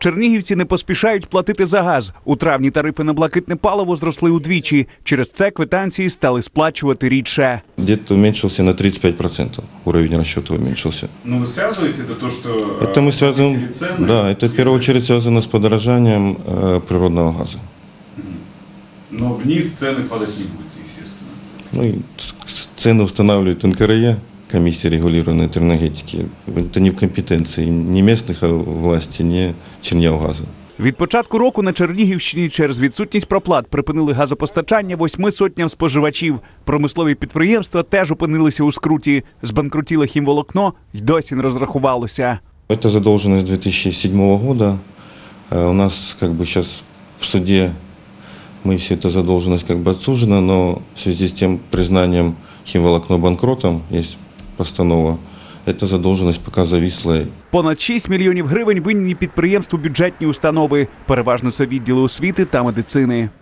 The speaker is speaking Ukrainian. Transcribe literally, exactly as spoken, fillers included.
Чернігівці не поспішають платити за газ. У травні тарифи на блакитне паливо зросли удвічі. Через це квитанції стали сплачувати рідше. Где-то уменьшился на тридцать пять процентов. Уровень расчета уменьшился. Но вы связываете это то, что Это мы связываем, цены? да, это в первую очередь связано с подорожанием э, природного газа. Но вниз цены падать не будут, естественно. Ну, и цены устанавливает эн ка эр е, комиссия регулированной энергетики. Это не в компетенции ни местных властей, ни Чернігівгазу. Від початку року на Чернігівщині через відсутність проплат припинили газопостачання восьми сотням споживачів. Промислові підприємства теж опинилися у скруті. Збанкрутіле хімволокно й досі не розрахувалося. Это задолженность две тысячи седьмого года. У нас как бы сейчас в суде мы все эта задолженность как бы отсужена, но в связи с тем признанием химволокно банкротом, есть постанова, эта задолженность пока зависла. Понад шість мільйонів гривень винні підприємству бюджетні установи. Переважно це відділи освіти та медицини.